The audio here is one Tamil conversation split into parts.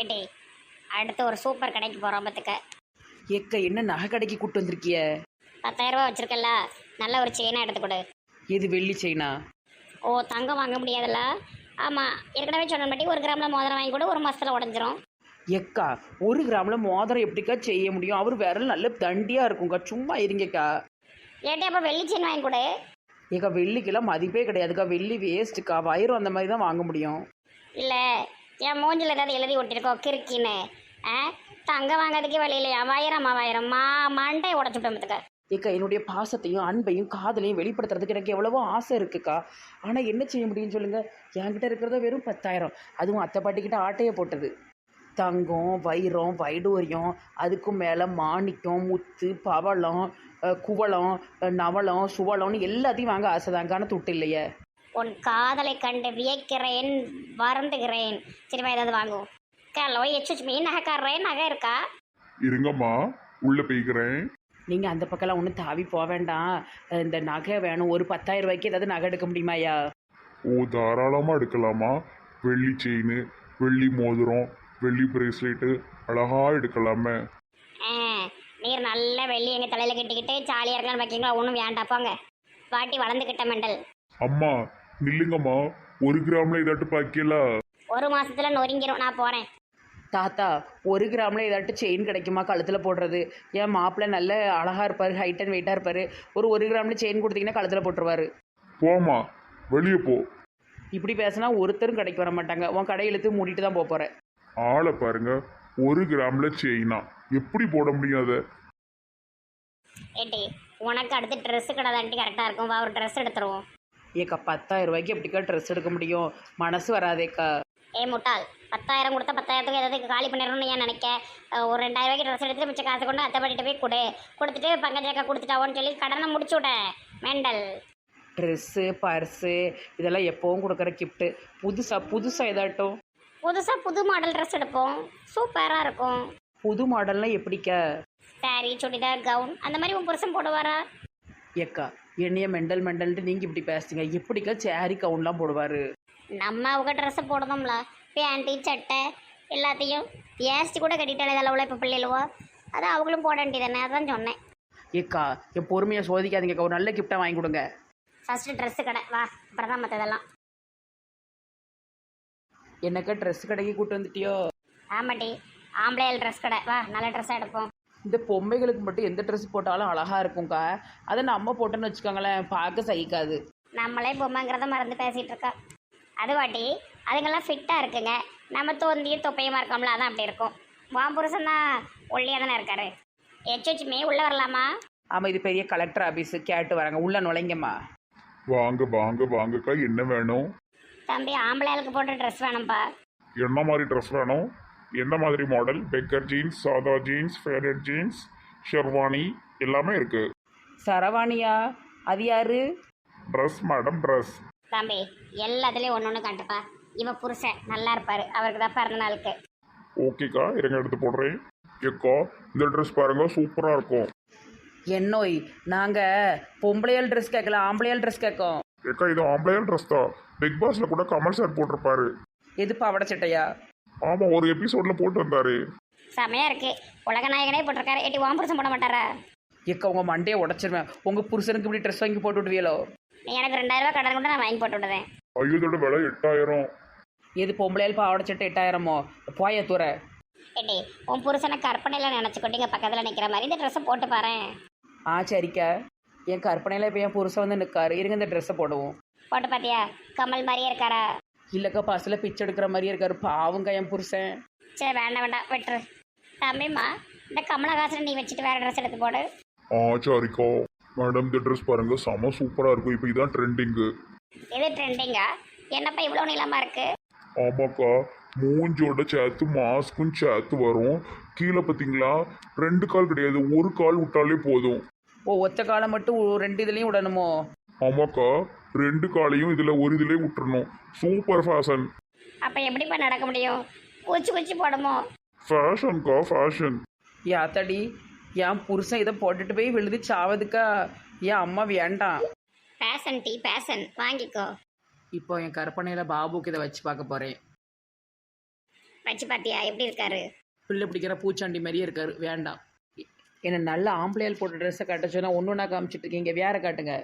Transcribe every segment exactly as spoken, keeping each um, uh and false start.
ஏட்டி அடுத்து ஒரு சூப்பர் கடைக்கு போகிறோம் பத்துக்க. ஏக்க என்ன நகை கடைக்கு கூட்டு வந்திருக்கிய? பத்தாயிரம் ரூபா வச்சிருக்கல, நல்ல ஒரு செயினாக எடுத்து கொடு. எது வெள்ளி செயினா? ஓ தங்கம் வாங்க முடியாதுல்ல? ஆமாம், ஏற்கனவே சொன்ன மாட்டி ஒரு கிராமில் மோதிரம் வாங்கி கூட ஒரு மாதத்தில் உடஞ்சிரும். எக்கா ஒரு கிராம்ல மோதிரம் எப்படிக்கா செய்ய முடியும்? அவர் விரல் நல்ல தண்டியா இருக்கும்க்கா, சும்மா இருங்கக்கா. ஏட்டி அப்போ வெள்ளி செயின் வாங்கி கொடு. ஏக்கா வெள்ளிக்கெல்லாம் மதிப்பே கிடையாதுக்கா, வெள்ளி வேஸ்ட்டுக்கா. வயிறு அந்த மாதிரி தான் வாங்க முடியும். இல்லை என் மூஞ்சில் ஏதாவது எழுதி ஒட்டிருக்கோம் கிறுக்கின்னு. ஆ தங்கம் வாங்கிறதுக்கே வழி இல்லையா? ஆயிரம் ஆயிரம் மா மண்டை உடச்சுட்டோம் பத்துக்க. ஏக்கா என்னுடைய பாசத்தையும் அன்பையும் காதலையும் வெளிப்படுத்துறதுக்கு எனக்கு எவ்வளவோ ஆசை இருக்குக்கா. ஆனால் என்ன செய்ய முடியும்னு சொல்லுங்க. என்கிட்ட இருக்கிறத வெறும் பத்தாயிரம், அதுவும் அத்தை பாட்டிக்கிட்ட ஆட்டையை போட்டது. தங்கம் வைரம் வைடூரியம், அதுக்கும் மேலே மாணிக்கம் முத்து பவளம் குவளம் நவளம் சுவளம்னு எல்லாத்தையும் வாங்க ஆசைதாங்கான துட்டு இல்லையே. உன் காதலை கண்டு வியக்கிறேன், வருந்துகிறேன். சரிவா ஏதாவது வாங்குவோம். ஹலோ எச்சு மீன் நகைக்காரரே, நகை இருக்கா? இருங்கம்மா, உள்ள போய்க்கிறேன். நீங்கள் அந்த பக்கம்லாம் ஒன்றும் தாவி போக வேண்டாம். இந்த நகை வேணும், ஒரு பத்தாயிரம் ரூபாய்க்கு ஏதாவது நகை எடுக்க முடியுமாயா? ஓ தாராளமாக எடுக்கலாமா? வெள்ளி செயின், வெள்ளி மோதிரம், வெள்ளி பிரேஸ்லெட்டு அழகா எடுக்கலாமே. ஆ நீர் நல்ல வெள்ளி எங்கள் தலையில் கட்டிக்கிட்டு ஜாலியாக இருக்கலாம்னு வைக்கிங்களா? ஒன்றும் வேண்டாம் போங்க. பாட்டி வளர்ந்துக்கிட்ட மெண்டல். அம்மா நில்லுங்கம்மா, ஒரு கிராம்ல இதாட்டு பாக்கியல. ஒரு மாசத்துல நொறுங்கிரும், நான் போகிறேன். தாத்தா ஒரு கிராமில் ஏதாட்டும் செயின் கிடைக்குமா கழுத்தில் போடுறது? என் மாப்பிள்ளை நல்ல அழகாக இருப்பார், ஹைட் அண்ட் வெயிட்டாக இருப்பார். ஒரு ஒரு கிராமில் செயின் கொடுத்தீங்கன்னா கழுத்தில் போட்டுருவார். போமா, வெளியே போ. இப்படி பேசினா ஒருத்தரும் கடைக்கு வர மாட்டாங்க. உன் கடை இழுத்து மூடிட்டு தான் போக போகிறேன். ஆளை பாருங்க, ஒரு கிராம்ல செயினா எப்படி போட முடியாத? ஏட்டி உனக்கு அடுத்து ட்ரெஸ்ஸு கடை தாண்டி கரெக்டாக இருக்கும். வா ஒரு ட்ரெஸ் எடுத்துருவோம். ஏக்கா பத்தாயிரம் ரூபாய்க்கு எப்படிக்கா ட்ரெஸ் எடுக்க முடியும்? மனசு வராதேக்கா. ஏ முட்டாள், பத்தாயிரம் கொடுத்தா பத்தாயிரத்துக்கு ஏதாவது காலி பண்ணிடணும்னு ஏன் நினைக்க? ஒரு ரெண்டாயிரம் ரூபாய்க்கு ட்ரெஸ் எடுத்துட்டு மிச்சம் காசு கொண்டு அத்தை பாட்டிட்டு போய் கொடு. கொடுத்துட்டு பங்கஜக்கா கொடுத்துட்டாவோன்னு சொல்லி கடனை முடிச்சு விட்டேன் மெண்டல். ட்ரெஸ்ஸு பர்ஸு இதெல்லாம் எப்போவும் கொடுக்குற கிஃப்ட்டு. புதுசாக புதுசாக ஏதாட்டும் புதுசாக புது மாடல் ட்ரெஸ் எடுப்போம், சூப்பராக இருக்கும். புது மாடல்லாம் எப்படிக்கா? சாரி சுடிதார் கவுன் அந்த மாதிரி உன் புருஷன் போடுவாரா? ஏக்கா என்னைய மெண்டல் மெண்டல்ட்டு நீங்கள் இப்படி பேசுங்க. எப்படிக்கா சேரி கவுன்லாம் போடுவார்? நம்ம அவங்க ட்ரெஸ்ஸை போடணும்ல, பேண்ட்டு சட்டை எல்லாத்தையும் ஏஸ்டி கூட கட்டிட்டாலே அளவில் இப்போ பிள்ளைகளுவோ, அதான் அவங்களும் போட வேண்டியதானே, அதான் சொன்னேன். ஏக்கா என் பொறுமையை சோதிக்காதீங்கக்கா, ஒரு நல்ல கிஃப்டாக வாங்கி கொடுங்க. ஃபஸ்ட்டு ட்ரெஸ்ஸு கடை வா, அப்புறம் தான் மற்றதெல்லாம். என்னக்கா ட்ரெஸ் கடைக்கு கூட்டு வந்துட்டியோ? ஆமாட்டி, ஆம்பளையால் ட்ரெஸ் கடை வா, நல்ல ட்ரெஸ்ஸாக எடுப்போம். இந்த பொம்மைகளுக்கு மட்டும் எந்த ட்ரெஸ் போட்டாலும் அழகாக இருக்கும்க்கா. அதை நம்ம போட்டோன்னு வச்சுக்கோங்களேன், பார்க்க சகிக்காது. நம்மளே பொம்மைங்கிறத மறந்து பேசிகிட்டு இருக்கா. அது வாட்டி அதுங்கெல்லாம் ஃபிட்டாக இருக்குங்க. நம்ம தோந்தியும் தொப்பையுமா இருக்கோம்ல, அதான் அப்படி இருக்கும். வான் புருஷன் தான் ஒல்லியாக தானே இருக்காரு. எச்சுமே உள்ளே வரலாமா? ஆமாம், இது பெரிய கலெக்டர் ஆஃபீஸு, கேட்டு வராங்க, உள்ளே நுழைங்கம்மா. வாங்க வாங்க வாங்கக்கா, என்ன வேணும்? தம்பி ஆம்பளையாளுக்கு போட்ட ட்ரெஸ் வேணும்ப்பா. என்ன மாதிரி ட்ரெஸ் வேணும்? என்ன மாதிரி மாடல்? பெக்கர் ஜீன்ஸ், சாதா ஜீன்ஸ், ஃபேடட் ஜீன்ஸ், ஷெர்வானி எல்லாமே இருக்கு. சரவாணியா? அது யாரு? Dress madam, dress. தம்பி எல்லாத்துலேயும் ஒன்று ஒன்று காட்டுப்பா. இவன் புருஷன் நல்லா இருப்பார், அவருக்கு தான் பிறந்த நாளுக்கு. ஓகேக்கா, இருங்க எடுத்து போடுறேன். ஏக்கா இந்த ட்ரெஸ் பாருங்க, சூப்பராக இருக்கும். என்னோய் நாங்கள் பொம்பளையால் ட்ரெஸ் கேட்கல, ஆம்பளையால் ட்ரெஸ் கேட்கோம். ஏக்கா இது ஆம்பளையால் ட்ரெஸ் தான். பிக் பாஸ்ல கூட கமல் சார் போட்டிருப்பாரு. எது பாவடை சட்டையா? ஆமாம், ஒரு எபிசோட்ல போட்டு வந்தாரு. செமையாக இருக்கு. உலக நாயகனே போட்டிருக்காரு. ஏட்டி வான் புருஷன் போட மாட்டாரா? ஏக்கா உங்கள் மண்டையை உடச்சிருவேன். உங்கள் புருஷனுக்கு இப்படி ட்ரெஸ் வாங்கி போட்டு விடுவீங்களோ? நீ எனக்கு ரெண்டாயிரம் ரூபாய் கடன் கூட நான் வாங்கி போட்டு விடுவேன். ஐயோதோட விலை எட்டாயிரம். எது பொம்பளையால் பாவடை சட்டை எட்டாயிரமோ? போய தூர. ஏட்டி உன் புருஷனை கற்பனையில் நினச்சிக்கிட்டீங்க பக்கத்தில் நிற்கிற மாதிரி இந்த ட்ரெஸ்ஸை போட்டு பாரு. ஆ சரிக்கா, என் கற்பனையில் இப்போ என் புருஷன் வந்து நிற்காரு. இருங்க இந்த ட்ரெஸ்ஸை போடுவோம். போட்டு பார்த்தியா? கமல் மாதிரியே இருக்காரா? இல்லைக்கா பஸ்ஸில் பிச்சை எடுக்கிற மாதிரியே இருக்காரு, பாவங்க என் புருஷன். சரி வேண்டாம் வேண்டாம் விட்டுரு. தம்பிம்மா இந்த கமலஹாசனை நீ வச்சுட்டு வேறு ட்ரெஸ் எடுத்து போடு. ஆ சரிக்கா. மேடம் இந்த ட்ரெஸ் பாருங்க, செம சூப்பராக இருக்கும். இப்போ இதான் ட்ரெண்டிங்கு. இது ட்ரெண்டிங்கா? என்னப்பா இவ்வளோ நீளமாக இருக்கு? ஆமாக்கா, மூஞ்சோட சேர்த்து மாஸ்க்கும் சேர்த்து வரும். கீழே பார்த்தீங்களா, ரெண்டு கால் கிடையாது, ஒரு கால் விட்டாலே போதும். ஓ ஒத்த காலம் மட்டும் ரெண்டு இதுலேயும் விடணுமோ? ஆமாக்கா, ரெண்டு காலையும் இதில் ஒரு இதுலேயே விட்டுறணும். Super fashion. அப்போ எப்படிப்பா நடக்க முடியும்? குச்சி குச்சி போடுமோ? ஃபேஷன்க்கா ஃபேஷன். யாத்தடி என் புருஷன் இதை போட்டுட்டு போய் விழுது சாவதுக்கா? என் அம்மா வேண்டாம். பேஷன் டீ பேஷன் வாங்கிக்கோ. இப்போ என் கற்பனையில் பாபுக்கு இதை வச்சு பார்க்க போகிறேன். வச்சு பார்த்தியா எப்படி இருக்காரு? பிள்ளை பிடிக்கிற பூச்சாண்டி மாதிரியே இருக்காரு, வேண்டாம். என்ன நல்ல ஆம்பளையால் போட்ட ட்ரெஸ்ஸை காட்ட சொன்னால் ஒன்று ஒன்றா காமிச்சிட்டு இருக்கீங்க, வேற காட்டுங்க.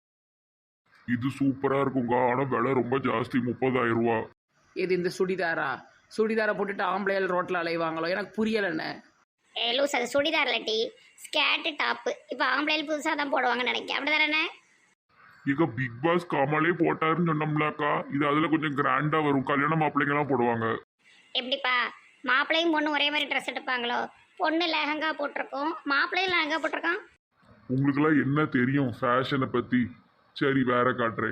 இது சூப்பரா இருக்குங்க, ஆனா விலை ரொம்ப ஜாஸ்தி, முப்பதாயிரம் ரூபா. இது இந்த சுடிதாரா? சுடிதாரை போட்டுட்டு ஆம்பளையால் ரோட்டில் அலைவாங்களோ, எனக்கு புரியலைண்ணே. ஏ லூஸ், அது சுடிதார் இல்லாட்டி ஸ்கேர்ட்டு டாப்பு. இப்போ ஆம்பளையில் புதுசாக தான் போடுவாங்கன்னு நினைக்கிறேன், அப்படி தானே? இங்க பிக் பாஸ் கமலே போட்டாருன்னு சொன்னோம்லக்கா, இது அதுல கொஞ்சம் கிராண்டா வரும், கல்யாண மாப்பிள்ளைங்கலாம் போடுவாங்க. எப்படிப்பா மாப்பிள்ளையும் பொண்ணு ஒரே மாதிரி ட்ரெஸ் எடுப்பாங்களோ? பொண்ணு லெஹங்கா போட்டிருக்கோம், மாப்பிள்ளையும் லெஹங்கா போட்டிருக்கான். உங்களுக்குலாம் என்ன தெரியும் ஃபேஷனை பத்தி? சரி வேற காட்டுறேன்.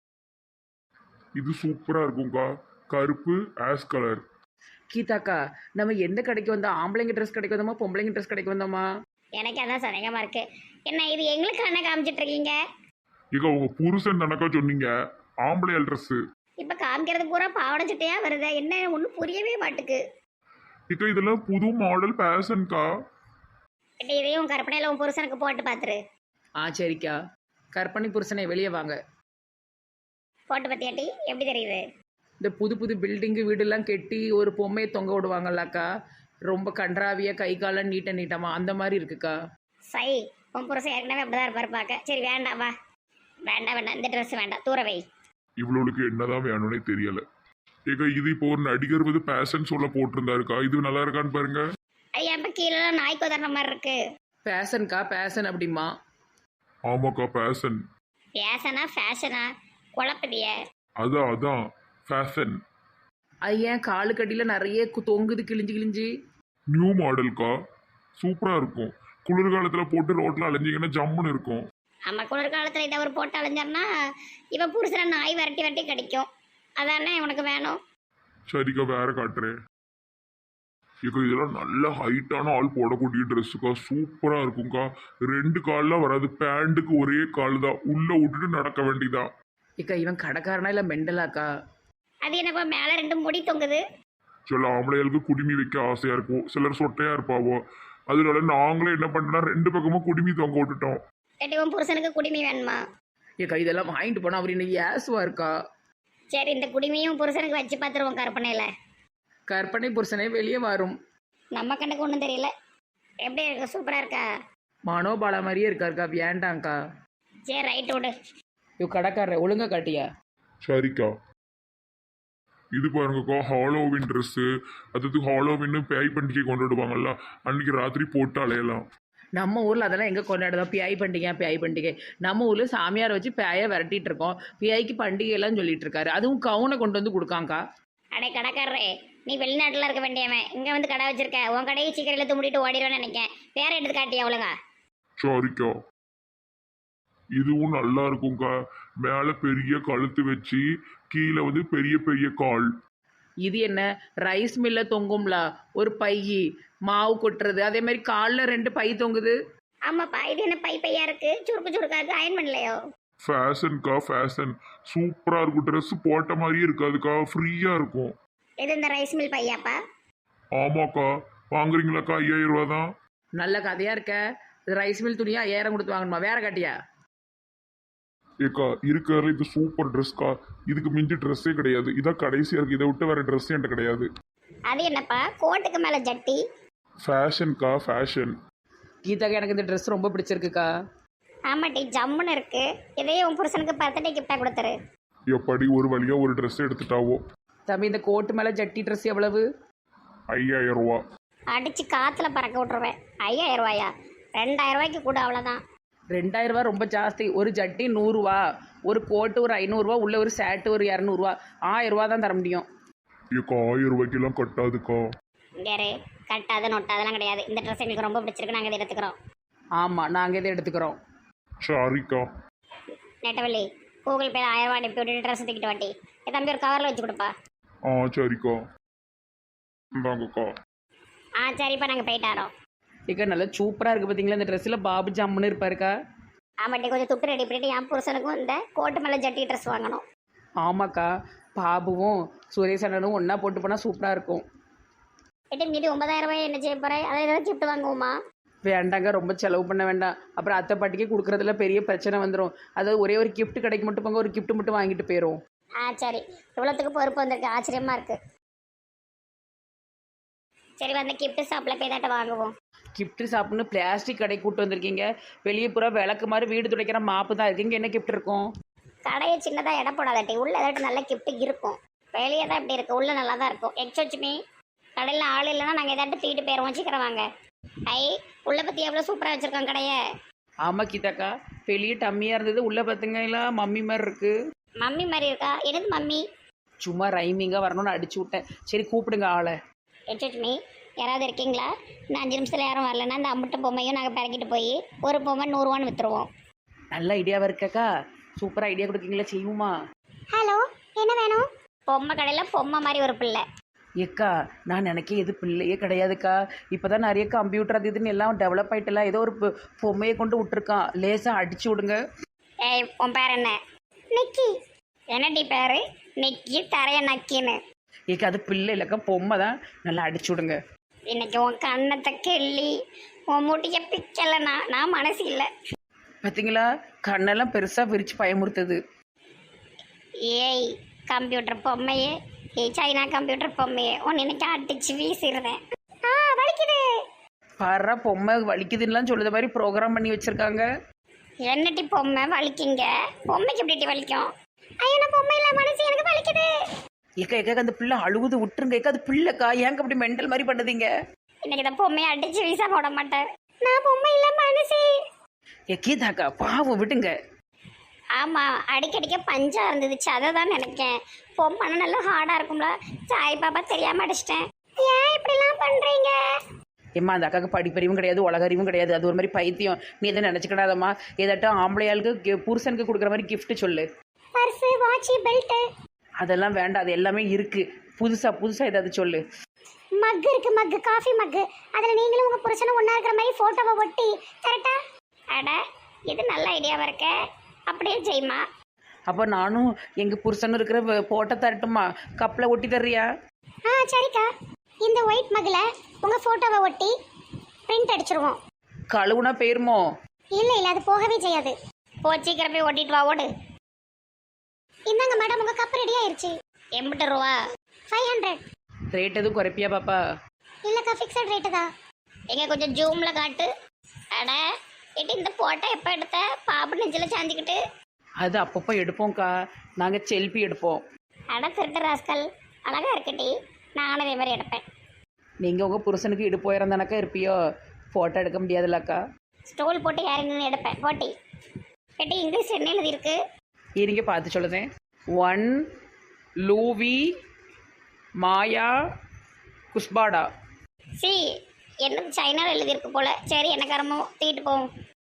இது சூப்பரா இருக்கும்க்கா, கருப்பு ஆஸ் கலர். கீதாக்கா, நம்ம எந்த கடைக்கு வந்தோம்? ஆம்பளைங்க ட்ரெஸ் கடைக்கு வந்தோமா, பொம்பளைங்க ட்ரெஸ் கடைக்கு வந்தோமா? எனக்கு அதான் சந்தேகமா இருக்கு. என்ன இது எங்களுக்கு என்ன காமிச்சிட்டு இருக்கீங்க? இங்க உங்க புருஷன் தானக்கா சொன்னீங்க ஆம்பளையால் ட்ரெஸ். இப்போ காமிக்கிறது பூரா பாவாடை சட்டையா வருது, என்ன ஒன்றும் புரியவே மாட்டுக்கு. இக்கா இதெல்லாம் புது மாடல் ஃபேஷன்க்கா. கிட்ட இதையும் கற்பனையில் உன் புருஷனுக்கு போட்டு பார்த்துரு. ஆ சரிக்கா. கற்பனை புருஷனை வெளியே வாங்க. போட்டு பார்த்தியாட்டி எப்படி தெரியுது? இந்த புது புது பில்டிங்கு வீடெல்லாம் கெட்டி ஒரு பொம்மையை தொங்க விடுவாங்கல்லக்கா, ரொம்ப கன்றாவியாக கை காலம் நீட்ட நீட்டமா அந்த மாதிரி இருக்குக்கா. சை, உன் புருஷன் ஏற்கனவே அப்படிதான் இருப்பாரு பார்க்க. சரி வேண்டாம், வா வேண்டாம் வேண்டாம், இந்த ட்ரெஸ் வேண்டாம், தூரவை. இவ்வளவுக்கு என்னதான் வேணும்னே தெரியல. ஏக்கா இது இப்போ ஒரு நடிகர் வந்து பேஷன் ஷோல போட்டிருந்தாருக்கா, இது நல்லா இருக்கான்னு பாருங்க. ஐயா இப்போ கீழே நாய்க்கு உதற மாதிரி இருக்கு. பேஷன்க்கா, பேஷன் அப்படிமா? ஆமாக்கா பேஷன். பேஷனா ஃபேஷனா குழப்பதிய? அதான் அதான் ஃபேஷன். அது ஏன் காலு கடியில் நிறைய கு- தொங்குது கிழிஞ்சு கிழிஞ்சு? நியூ மாடல்க்கா, சூப்பரா இருக்கும். குளிர்காலத்துல போட்டு ரோட்ல அலைஞ்சிங்கன்னா ஜம்முன்னு இருக்கும். நம்ம குளிர்காலத்தில் இதை ஒரு போட்டு அலைஞ்சார்னா இவன் புருஷனை நாய் விரட்டி விரட்டி கடிக்கும். அதானே உனக்கு வேணும்? சரிக்கா வேற காட்டுறேன். ஏக்கா இதெல்லாம் நல்ல ஹைட்டான ஆள் போடக்கூடிய ட்ரெஸ்ஸுக்கா, சூப்பரா இருக்கும்க்கா. ரெண்டு கால்லாம் வராது, பேண்ட்டுக்கு ஒரே கால் தான், உள்ள விட்டுட்டு நடக்க வேண்டியதா. இக்கா இவன் கடைக்காரனா இல்லை மெண்டலாக்கா? அது என்னப்பா மேலே ரெண்டு முடி தொங்குது? சில ஆம்பளைகளுக்கு குடுமி வைக்க ஆசையா இருக்கும், சிலர் சொட்டையா இருப்பாவோ. அதனால நாங்களே என்ன பண்ணோம்னா ரெண்டு பக்கமும் குடுமி தொங்க விட்டுட்டோம். கேட்டு உன் புருஷனுக்கு குடிமி வேணுமா? இக்கா இதெல்லாம் வாங்கிட்டு போனா அவர் இன்னைக்கு ஏசுவா இருக்கா. சரி இந்த குடிமையும் புருஷனுக்கு வச்சு பார்த்துருவோம் கற்பனையில். கற்பனை புருஷனே வெளியே வரும். நம்ம கண்ணுக்கு ஒன்றும் தெரியல. எப்படி இருக்கு? சூப்பராக இருக்கா? மனோபாலா மாதிரியே இருக்காருக்கா, வேண்டாங்க்கா. சரி ரைட் விடு. இவ கடைக்காரரை ஒழுங்கா காட்டியா? சரிக்கா. இது பாருங்கக்கா ஹாலோவின் ட்ரெஸ்ஸு, அதாவது ஹாலோவின்னு பேய் பண்டிகை கொண்டாடுவாங்கல்ல, அன்னைக்கு ராத்திரி போட்டு அலையலாம். நம்ம ஊரில் அதெல்லாம் எங்கே கொண்டாடுதோம்? பியாய் பண்டிகை பியாய் பண்டிகை. நம்ம ஊரில் சாமியார் வச்சு பேயை விரட்டிட்டு இருக்கோம், பியாய்க்கு பண்டிகைலாம் சொல்லிட்டு இருக்காரு. அதுவும் கவுனை கொண்டு வந்து கொடுக்காங்க்கா. அடே கடைக்காரரே, நீ வெளிநாட்டில் இருக்க வேண்டியவன், இங்கே வந்து கடை வச்சிருக்க. உன் கடையை சீக்கிரம் இழுத்து மூடிட்டு ஓடிடுவேன்னு நினைக்கேன். வேற எடுத்து காட்டியா ஒழுங்கா? சாரிக்கா. இதுவும் நல்லா இருக்கும்க்கா, மேலே பெரிய கழுத்து வச்சு கீழே வந்து பெரிய பெரிய கால். இது என்ன ரைஸ் மில்ல தொங்கும்ல ஒரு பை மாவு கொட்டுறது, அதே மாதிரி காலில் ரெண்டு பை தொங்குது. ஆமாப்பா, இது என்ன பை பையா இருக்கு, சுருக்கு சுருக்கா இருக்கு, அயன் பண்ணலையோ? ஃபேஷன்க்கா ஃபேஷன், சூப்பரா இருக்கும். ட்ரெஸ் போட்ட மாதிரியே இருக்காதுக்கா, ஃப்ரீயா இருக்கும். இது இந்த ரைஸ் மில் பையாப்பா? ஆமாக்கா, வாங்குறீங்களாக்கா? ஐயாயிரம் ரூபா தான். நல்ல கதையாக இருக்க. ரைஸ் மில் துணியா ஐயாயிரம் கொடுத்து வாங்கணுமா? வேற காட்டியா? ஏக்கா இருக்கிறதுல இது சூப்பர் ட்ரெஸ்க்கா, இதுக்கு மிஞ்சி ட்ரெஸ்ஸே கிடையாது. இதான் கடைசியா இருக்கு, இதை விட்டு வேற ட்ரெஸ் என்கிட்ட கிடையாது. அது என்னப்பா கோட்டுக்கு மேலே ஜட்டி? ஃபேஷன்க்கா ஃபேஷன். கீதாக்கா எனக்கு இந்த ட்ரெஸ் ரொம்ப பிடிச்சிருக்குக்கா. ஆமாட்டி ஜம்முன்னு இருக்கு. இதையே உன் புருஷனுக்கு பர்த்டே கிஃப்டாக கொடுத்துரு. எப்படி ஒரு வழியா ஒரு ட்ரெஸ் எடுத்துட்டாவோ. தம்பி இந்த கோட்டு மேலே ஜட்டி ட்ரெஸ் எவ்வளவு? ஐயாயிரம் ரூபா. அடிச்சு காத்துல பறக்க விட்டுருவேன். ஐயாயிரம் ரூபாயா? ரெண்டாயிரம் ரூபாய்க்கு கூட, அவ்வளோதான். ரெண்டாயிரம் ரூபா ரொம்ப ஜாஸ்தி. ஒரு ஜட்டி நூறுரூவா, ஒரு கோட்டு ஒரு ஐநூறுரூவா, உள்ள ஒரு சேட்டு ஒரு இரநூறுவா. ஆயிரம் ரூபா தான் தர முடியும். ஏக்கா ஆயிரம் ரூபாய்க்கெல்லாம் கட்டாதுக்கா. வேறு கட்டாது நொட்டாதெல்லாம் கிடையாது. இந்த ட்ரெஸ் எங்களுக்கு ரொம்ப பிடிச்சிருக்கு, நாங்கள் இதை எடுத்துக்கிறோம். ஆமாம், நாங்கள் இதை எடுத்துக்கிறோம். சாரிக்கா. நெட்டவள்ளி, கூகுள் பேல ஆயிரம் ரூபா அனுப்பி விட்டுட்டு ட்ரெஸ் தூக்கிட்டு வாட்டி. என் தம்பி ஒரு கவரில் வச்சு கொடுப்பா. ஆ சரிக்கா. இந்தாங்கக்கா. ஆ சரிப்பா, நாங்கள் போயிட்டாரோம். இக்கா நல்லா சூப்பராக இருக்குது பார்த்தீங்களா இந்த ட்ரெஸ்ஸில்? பாபு ஜம்முன்னு இருப்பாருக்கா. ஆமாட்டி கொஞ்சம் துட்டு ரெடி பண்ணிட்டு என் புருஷனுக்கும் இந்த கோட்டு மேலே ஜட்டி ட்ரெஸ் வாங்கணும். ஆமாக்கா, பாபுவும் சுரேஷ் அண்ணனும் ஒன்றா போட்டு போனால் சூப்பராக இருக்கும். எட்டு மீதி ஒன்பதாயிரம் ரூபாய் என்ன செய்ய போகிறேன்? அதை ஏதாவது கிஃப்ட் வாங்குவோமா? வேண்டாங்க, ரொம்ப செலவு பண்ண வேண்டாம். அப்புறம் அத்தை பாட்டிக்கு கொடுக்குறதுல பெரிய பிரச்சனை வந்துடும். அதாவது ஒரே ஒரு gift கடைக்கு மட்டும் போங்க, ஒரு gift மட்டும் வாங்கிட்டு போயிடும். ஆ சரி, இவ்வளோத்துக்கு பொறுப்பு வந்திருக்கு, ஆச்சரியமாக இருக்குது. சரி வந்து கிஃப்ட் ஷாப்பில் போய் தாட்ட வாங்குவோம். கிஃப்ட் ஷாப்னு பிளாஸ்டிக் கடை கூட்டு வந்திருக்கீங்க. வெளியே பூரா விளக்கு மாதிரி வீடு துடைக்கிற மாப்பு தான் இருக்கு. இங்கே என்ன கிஃப்ட் இருக்கும்? கடையை சின்னதாக இடம் போடாதாட்டி உள்ள ஏதாட்டும் நல்ல கிஃப்ட் இருக்கும். வெளியே தான் இப்படி இருக்கு, உள்ள நல்லா தான் இருக்கும். எக்ஸ்வச்சுமே கடையில் ஆள் இல்லைன்னா நாங்கள் ஏதாட்டும் தூக்கிட்டு போயிடுவோம். சீக்கிரம் வாங்க. ஐ உள்ள பற்றி எவ்வளோ சூப்பராக வச்சுருக்கோம் கடையை. ஆமாம் கீதாக்கா, வெளியே டம்மியாக இருந்தது, உள்ளே பார்த்துங்களா மம்மி மாதிரி இருக்குது. மம்மி மாதிரி இருக்கா? என்னது மம்மி? சும்மா ரைமிங்காக வரணும்னு அடிச்சு விட்டேன். சரி கூப்பிடுங்க ஆளை. எக்ஸ்வச்சுமே யாராவது இருக்கீங்களா? இன்னும் அஞ்சு நிமிஷத்தில் யாரும் வரலன்னா அந்த அம்புட்டு பொம்மையும் நாங்கள் பிறக்கிட்டு போய் ஒரு பொம்மை நூறுரூவான்னு விற்றுருவோம். நல்ல ஐடியாவாக இருக்காக்கா. சூப்பராக ஐடியா கொடுக்கீங்களா? செய்வோமா? ஹலோ, என்ன வேணும்? பொம்மை கடையில் பொம்மை மாதிரி ஒரு பிள்ளை. ஏக்கா நான் நினைக்க எது பிள்ளையே கிடையாதுக்கா. இப்போ தான் நிறைய கம்ப்யூட்டர் அது இதுன்னு எல்லாம் டெவலப் ஆகிட்டலாம். ஏதோ ஒரு பொ- பொம்மையை கொண்டு விட்டுருக்கான். லேசாக அடிச்சு விடுங்க. ஏய் உன் பேர் என்ன? நிக்கி. என்னடி பேரு? நிக்கி தரைய நக்கின்னு. ஏக்கா அது பிள்ளை இல்லைக்கா, பொம்மை தான். நல்லா அடிச்சு விடுங்க. இன்னைக்கு உன் கண்ணத்தை கிள்ளி உன் முடிய பிக்கலைண்ணா நான் மனசு இல்லை. பார்த்தீங்களா, கண்ணெல்லாம் பெருசாக விரிச்சு பயமுறுத்துது. ஏய் கம்ப்யூட்டர் பொம்மையே, ஏய் சைனா கம்ப்யூட்டர் பொம்மையே, உன் இன்னைக்கு அடிச்சு வீசிடுறேன். ஆ வலிக்குது. பாரு பொம்மை வலிக்குதுன்னெலாம் சொல்லுற மாதிரி ப்ரோக்ராம் பண்ணி வச்சுருக்காங்க. என்னட்டி பொம்மை வலிக்குங்க? பொம்மைக்கு எப்படி வலிக்கும்? ஐயோ நான் பொம்மை இல்லை, மனசு எனக்கு வலிக்குது. ஏக்கா ஏக்கா அந்த பிள்ளை அழுகுது, விட்டுருங்க. ஏக்கா அது பிள்ளைக்கா, ஏங்க அப்படி மெண்டல் மாதிரி பண்ணுதீங்க? இன்னைக்கு இந்த பொம்மையை அடிச்சு வீசா போட மாட்டேன். நான் பொம்மை இல்லை மனசு. ஏ கீதாக்கா பாவம் விடுங்க. ஆமாம் அடிக்கடிக்க பஞ்சா இருந்துச்சு, அதை தான் நினைக்கேன். பொம்மைனா நல்லா ஹார்டாக இருக்கும்ல, சாய் பாப்பா தெரியாமல் அடிச்சிட்டேன். ஏன் இப்படிலாம் பண்ணுறீங்க? ஏம்மா அந்த அக்காவுக்கு படிப்பறிவும் கிடையாது, உலகறிவும் கிடையாது. அது ஒரு மாதிரி பைத்தியம். நீ எதை நினச்சிக்கிடாதம்மா. ஏதாட்டும் ஆம்பளையாளுக்கு கி- புருஷனுக்கு கொடுக்குற மாதிரி gift சொல்லு. பர்ஸு, வாட்சு, பெல்ட்டு, அதெல்லாம் வேண்டாம், அது எல்லாமே இருக்குது. புதுசாக புதுசாக ஏதாவது சொல்லு. மக்கு இருக்கு, மக்கு, காஃபி மக்கு. அதில் நீங்களும் உங்கள் புருஷனும் ஒன்றா இருக்கிற மாதிரி ஃபோட்டோவை ஒட்டி கரெக்டா? அட இது நல்ல ஐடியாவாக இருக்க. அப்படியே செய்யுமா? அப்போ நானும் எங்கள் புருஷனும் இருக்கிற போட்டோ தரட்டுமா? கப்பில் ஒட்டி தர்றியா? ஆ சரிக்கா. இந்த ஒயிட் மக்கில் உங்கள் ஃபோட்டோவை ஒட்டி பிரிண்ட் அடிச்சிருவோம். கழுவுனா போயிருமோ? இல்லை இல்லை அது போகவே செய்யாது. போ சீக்கிரம் போய் ஒட்டிட்டு வா, ஓடு. இந்தாங்க மேடம் உங்கள் கப் ரெடி ஆயிருச்சு. எண்பது ரூபா. Five hundred. ரேட் எதுவும் குறைப்பியா பாப்பா? இல்லைக்கா ஃபிக்ஸட் ரேட்டு தான். எங்க கொஞ்சம் ஜூமில் காட்டு. அட எட்டி இந்த போட்டோ எப்போ எடுத்த? பாப்பு நெஞ்சில் சாஞ்சிக்கிட்டு. அது அப்பப்போ எடுப்போம்க்கா, நாங்கள் செல்ஃபி எடுப்போம். அட திருட்டு ராஸ்கல், அழகா இருக்கட்டி. நானும் அதே மாதிரி எடுப்பேன். நீங்கள் உங்கள் புருஷனுக்கு இடுப்பு உயரந்தானக்கா இருப்பியோ, ஃபோட்டோ எடுக்க முடியாதுல்லக்கா. ஸ்டோல் போட்டு யாரும் நின்று எடுப்பேன் போட்டி. எட்டி இங்கிலீஷ் என்ன எழுதி இருக்கு? இருங்க பார்த்து சொல்லுதேன். ஒன் லூவி மாயா குஸ்பாடா. சி என்னது சைனாவில் எழுதியிருக்கு போல. சரி எனக்காரமோ தூக்கிட்டு போவோம்.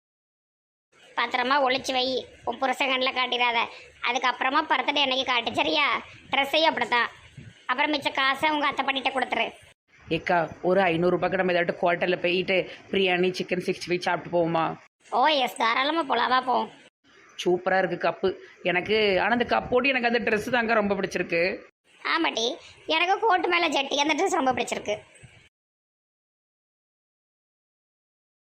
பத்திரமா ஒளிச்சு வை, உன் புருஷங்கண்டில் காட்டிடாத. அதுக்கப்புறமா பர்த்டே அன்னைக்கு காட்டு சரியா? ட்ரெஸ்ஸையும் அப்படித்தான். அப்புறம் மிச்ச காசை உங்கள் அத்தை பண்ணிட்ட கொடுத்துரு. ஏக்கா ஒரு ஐநூறுரூபாய்க்கு நம்ம ஏதாட்டும் குவார்ட்டரில் போயிட்டு பிரியாணி சிக்கன் சிக்ஸ்டி ஃபைவ் சாப்பிட்டு போவோமா? ஓ எஸ் தாராளமாக போலாவா போவோம். சூப்பராக இருக்குது கப்பு எனக்கு. ஆனால் அந்த கப்போடு எனக்கு அந்த ட்ரெஸ்ஸு தாங்க ரொம்ப பிடிச்சிருக்கு. ஆமாட்டி எனக்கு கோட்டு மேலே ஜட்டி அந்த ட்ரெஸ் ரொம்ப பிடிச்சிருக்கு.